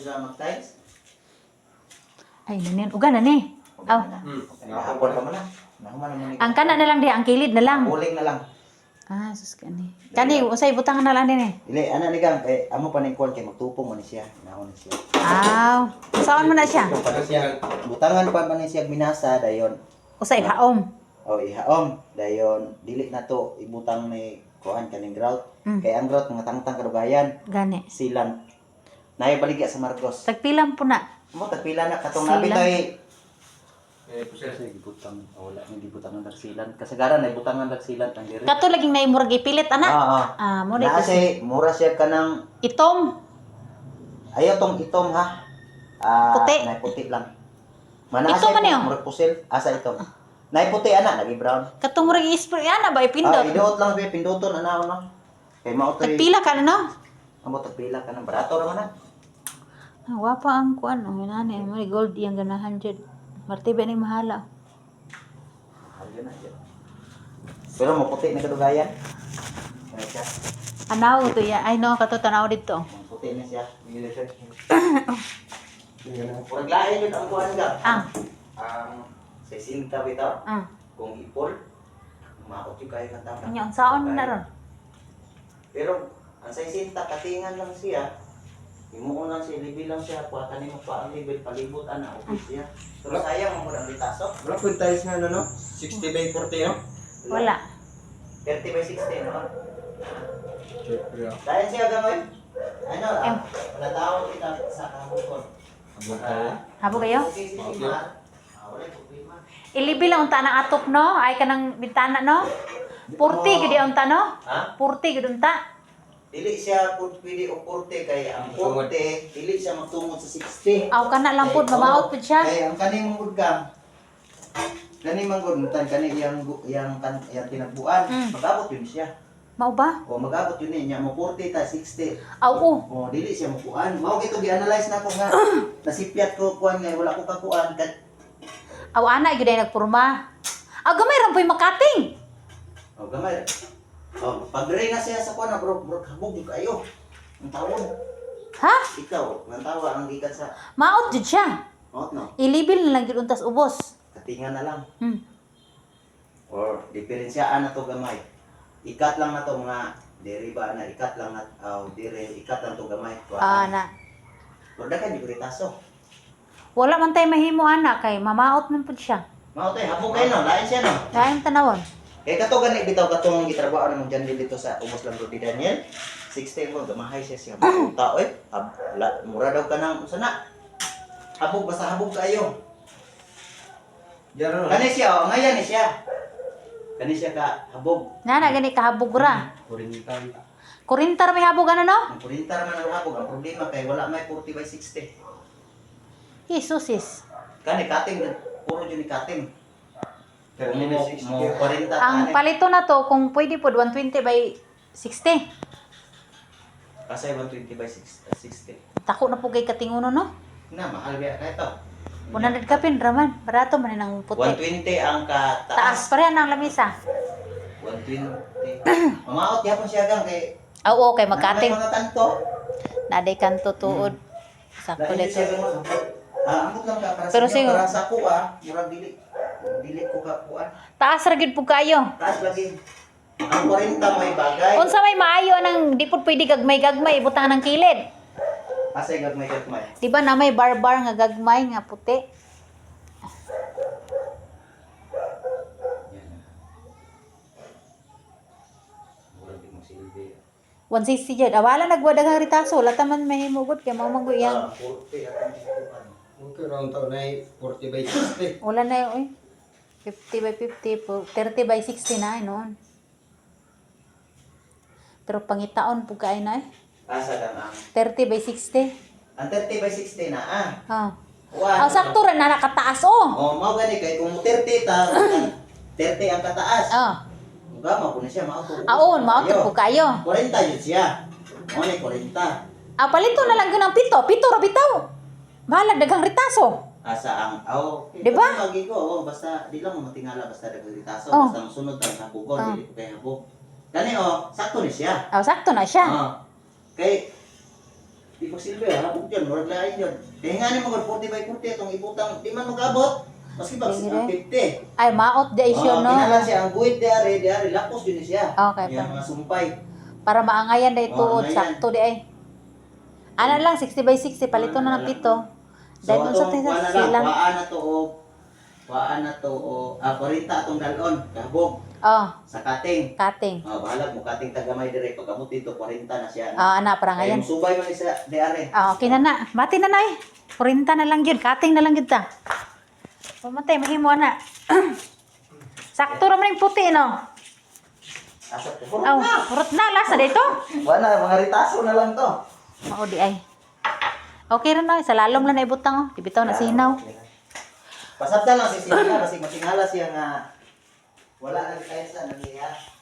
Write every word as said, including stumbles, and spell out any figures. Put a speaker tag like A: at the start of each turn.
A: sila mag-tiles.
B: Ay, nanin. Uga na ni. Aw.
C: Hmm.
A: Nakapon ka mo na. Nahuman naman ni.
B: Ang kana na lang di, ang kilid na lang.
A: Uling na lang.
B: Ah, sus kani. Kani, usay butang na lang din eh.
A: Dili, ana ni gang, kay amo pa ning kon kay magtupong man ni siya. Naon ni siya.
B: Aw. Saan mo na siya?
A: Tupong pa ni siya. Butangan pa man ni siya minasa dayon.
B: Usay haom.
A: O ihaom dayon dili na to ibutang ni kuan kaning grout.
B: Mm.
A: Kay ang grout mga tangtang kadugayan.
B: Gani.
A: Silang naay baligya sa Marcos.
B: Tagpilang po na.
A: Mo tagpila na katong
B: Silang.
A: nabi tay
C: Eh, pusir.
A: kasi gibutang wala ni gibutangan dagsilan. Kasagaran ay butangan dagsilan ang diri.
B: Kato laging naimurag ipilit ana.
A: Oo.
B: Ah, mo na
A: Na
B: kasi.
A: kasi mura siya kanang
B: Itom.
A: ayaw tong itom ha. Ah,
B: Puti.
A: nay puti lang. Mana
B: Itom man yun?
A: murag pusil asa itom. Nay puti ana lagi brown.
B: Katong murag i-spray ana ba
A: Ah,
B: ipindot.
A: iduot lang be pinduton ana no. Kay mao to.
B: Tagpila ka na no?
A: Amo tagpila ka ng barato ra man na.
B: Ah, wapa ang kuan oh, nani mo ni gold yang ganahan jud. Martiba ni mahala.
A: Ayun na yun. Pero maputi na kadugayan. Ano siya?
B: Anaw to ya. Ay no, kato tanaw dito.
A: Maputi na siya. Hindi siya. Murag lain yun ang kuhan ka.
B: Ah,
A: Ang sesinta bitaw.
B: ah.
A: Kung ipol. Maot yung kaya kanta.
B: Anya unsaon na ron?
A: Pero ang sesinta katingan lang siya. Imuon lang siya, libi lang siya. Kuha ka mo pa ang libil, palibot ana, office siya. Pero sayang mo ang bitaso.
C: Wala po yung tiles nga ano, no? sixty by forty, no?
B: Wala.
A: thirty by sixty, no?
C: Siyempre, ah.
A: Dahil siya gamoy. Ano,
B: Em.
A: ah, wala tao kita sa kahukon.
C: Abot tayo.
B: Habo kayo?
A: Okay, sige,
C: Okay.
A: ma. Ah, wala problema.
B: Ilibi lang unta ng atop no? Ay kanang bintana no? Purti gid unta no?
A: Ha?
B: Purti gid unta.
A: Dili siya pud pwede o forty kay ang forty dili siya magtungod sa sixty.
B: Aw kana lang pud mamaot pud siya.
A: Kay ang kani mong udgang. Kani man gud tan kani yang yang kan yang tinagbuan,
B: Mm.
A: magabot yun siya.
B: Mao ba?
A: O magabot yun niya mo forty ta sixty.
B: Aw oh.
A: O dili siya mo kuan. Mao kito gi-analyze na ko nga nasipyat ko kuan nga wala ko kakuan kat.
B: Aw ana gid ay nagpurma. Aw gamay ra po'y makating.
A: O gamay. O pag dire na siya sa kuan na bro, bro habog yung kayo. Ang tawon.
B: Ha?
A: Ikaw, ang tawa ang gikan sa
B: Maot jud siya.
A: out no.
B: Ilibil na lang gid untas ubos.
A: Katingan na lang.
B: Hmm.
A: Or diferensyaan na to gamay. Ikat lang na to mga diri ba na ikat lang na oh, dire ikat lang to gamay.
B: Ah na.
A: Pero dakan di kuritaso.
B: Wala man tay mahimo ana kay mamaot man pud siya.
A: Mao tay habog kay no, lain siya no.
B: Dayon tanawon.
A: Kay kato gani bitaw katong gitrabaho na mo dyan dito sa Umos lang Rodi Daniel. sixty mo gamahay siya siya mga tao eh. Hab, la, mura daw ka nang usa na. Habog basta habog kayo.
C: Diyan, ano?
A: Kani siya oh, ngayon ni siya. Kani siya ka habog.
B: Nana gani kahabog ra.
C: Kurintan.
B: Kurintar may habog ano no?
A: Ang purintar man ang habog, ang problema kay wala may forty by sixty.
B: Jesus is.
A: Kani cutting puro jud ni cutting.
C: thirty by sixty.
A: Mo forty
B: Ang
A: tani.
B: palito na to kung pwede pod one twenty by sixty.
A: Kasi one twenty by sixty.
B: Tako na po kay katinguno no?
A: Na mahal biya kay to.
B: one hundred ka pin raman. Barato man nang
A: one
B: puti.
A: twenty ang
B: Taas
A: kataas.
B: pa rin ang lamisa.
A: one twenty. Mamaot yapon siya gang kay
B: Ah, oo, kay magkating.
A: May mga kanto.
B: Naday kanto tuod. Sakto
A: Dahil
B: dito.
A: siya gang ah, amot lang ka para
B: Pero
A: sa
B: siya-
A: inyo, para sa ko ah, murag dili dili ko ka kuan.
B: Taas ra gid pug kayo.
A: Taas lagi. Ang forty may bagay.
B: Unsa may maayo nang di pud pwede gagmay-gagmay butang ng kilid.
A: Asay gagmay gagmay.
B: Di ba na may barbar nga gagmay nga puti?
A: Yan. Murag di mo silbi.
B: one sixty jud. Awala nagwadaghang ritaso, wala ta man mahimugod kay mao man
A: Ah,
B: yang.
A: forty at ang kuan.
C: Okay, round taon na ay forty by sixty.
B: Wala na yun, oy. fifty by fifty po, thirty by sixty na eh, noon. Pero pangitaon po kayo na eh.
A: Asa lang ang
B: thirty by sixty.
A: ang thirty by sixty na ah.
B: Ah.
A: Kuan.
B: Ang sakto rin na nakataas oh.
A: Oh, mao gani kay kung thirty ta thirty ang kataas.
B: Ah.
A: Uga mo kuno siya mao to.
B: Aon, mao po kayo.
A: forty yun siya. Mo ni forty.
B: Ah, palito na lang yun ang pito. Pito ra bitaw. Bahala daghang ritaso.
A: Asa ang aw.
B: Di ba?
A: Magi ko oh, basta di lang mo matingala basta daghang ritaso
B: Oh.
A: basta ang sunod ta sa bugon
B: Oh.
A: dili ko kay habog. Kani oh, sakto ni siya.
B: Ah, sakto na siya.
A: Oh. Kay Di pa silbi ha, hapog dyan, murag lain dyan. Kaya nga ni mga forty by forty itong ibutang, di man mag-abot. Maski ba,
B: Sige,
A: ang fifty.
B: Ay, maot di
A: Oo,
B: siya, no?
A: kinalan siya, ang guhit di ari, di ari, lapos din siya.
B: Okay,
A: Yan
B: pa.
A: mga sumpay.
B: Para maangayan day
A: Oo,
B: tuod,
A: angayan.
B: sakto di ay. Ano lang, sixty by sixty, palito na ng pito.
A: So,
B: Dahil mo sa
A: atong kuha na lang,
B: silang.
A: kuhaan na to o, kuhaan na to o, ah, forty atong dalon, kabog,
B: Oh,
A: sa kating.
B: cutting.
A: Ah, bahala mo, kating tagamay dire, pagkamot dito, forty na siya.
B: Ah, ana, para
A: Kaya
B: ngayon.
A: yung subay man isa, di ari.
B: Ah, okay na na. Mati na na eh. Kurinta na lang yun. Cutting na lang yun ta. Pamatay, mahimo na. Sakto naman yung puti, no?
A: Asa ko,
B: Aw, hurot na. Lasa dito.
A: wala, mga ritaso na lang to.
B: Oo, di ay. Okay rin na. Sa lalom lang na ibutang, oh. Ibitaw na sinaw.
A: Pasabda lang si Sina kasi masingala siya nga wala na tayo sa nangyayari.